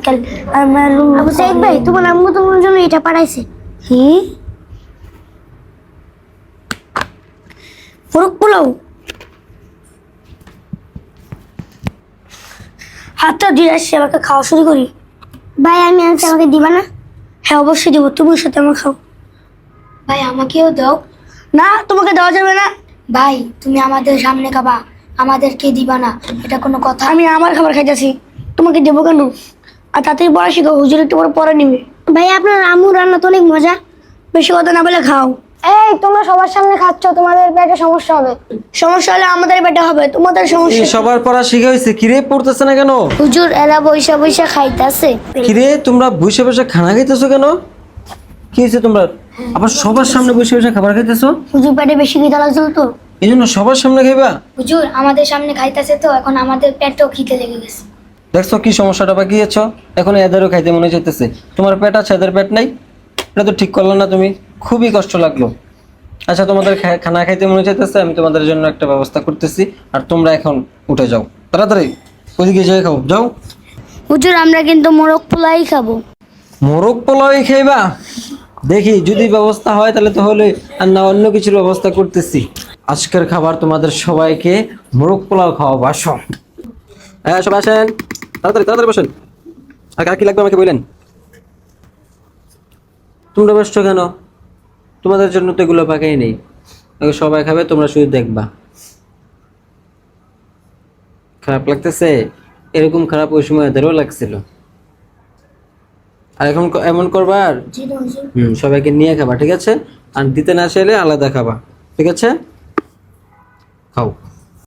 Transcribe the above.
Uncle আমার আবু সাইদ ভাই তোমার আম্মু তোমার জন্য এটা পাঠাইছে কি মোরগ পোলাও হাতটা দিয়ে আসছি আমাকে খাওয়া শুরু করি ভাই আমি আনছি আমাকে দিবা না হ্যাঁ অবশ্যই দিব তুমি সাথে আমার খাও ভাই আমাকেও দাও। না তোমাকে দেওয়া যাবে না ভাই তুমি আমাদের সামনে খাবা, আমাদেরকে দিবা না, এটা কোনো কথা? আমি আমার খাবার খাইতেছি তোমাকে দেবো কেন আর তাতেই পড়া শিখো হুজুর একটু পরে নিবে ভাই আপনার আম্মু রান্না তো অনেক মজা বেশি কথা না বলে খাও এই তোমরা সবার সামনে খাচ্ছ, তোমাদের পেটে সমস্যা হবে। সমস্যা হলে আমাদের পেটে হবে তোমাদের সমস্যা সবার পড়া শিখে হয়েছে, কিরে পড়তেছে না কেন? হুজুর এরা বৈশা বৈশা খাইতেছে কিরে তোমরা বসে বসে খানা খাইতেছো কেন? কি হয়েছে তোমরা আবার সবার সামনে বসে বসে খাবার খাইতেছো? হুজুর পেটে বেশি খিদা লাগছিল তো এই জন্য সবার সামনে খাইবা? হুজুর আমাদের সামনে খাইতেছে তো এখন আমাদের পেটও খিদে লেগে গেছে। দেখছো কি সমস্যাটা বাকিয়েছো? এখন এদেরও খাইতে মনে চাইতেছে, তোমার পেট আছে এদের পেট নাই, এটা তো ঠিক করলো না তুমি, খুবই কষ্ট লাগলো। আচ্ছা তোমাদের খানা খাইতে মনে চাইতেছে, আমি তোমাদের জন্য একটা ব্যবস্থা করতেছি, আর তোমরা এখন উঠে যাও তাড়াতাড়ি, ওইদিকে যেয়ে খাও যাও। হুজুর আমরা কিন্তু মোরগ পোলাই খাবো মোরগ পোলাওই খাইবা? দেখি যদি ব্যবস্থা হয় তাহলে তো হলে, আর না অন্য কিছুর ব্যবস্থা করতেছি। আজকের খাবার তোমাদের সবাইকে মোরগ পোলাও খাওয়াবো, আসো। হ্যাঁ সবাই আসেন, তাড়াতাড়ি তাড়াতাড়ি বসেন। আর কার কি লাগবে আমাকে বললেন? তোমরা বসছো কেন? তোমাদের জন্য তো এগুলো পাকাই নেই, সবাই খাবে, তোমরা শুধু দেখবা। খারাপ লাগতেছে? এরকম খারাপ ওই সময় এদেরও লাগছিল। আর এখন এমন করবা, আর সবাইকে নিয়ে খাবা, ঠিক আছে? আর দিতে না চাইলে আলাদা খাবা, ঠিক আছে? খাও।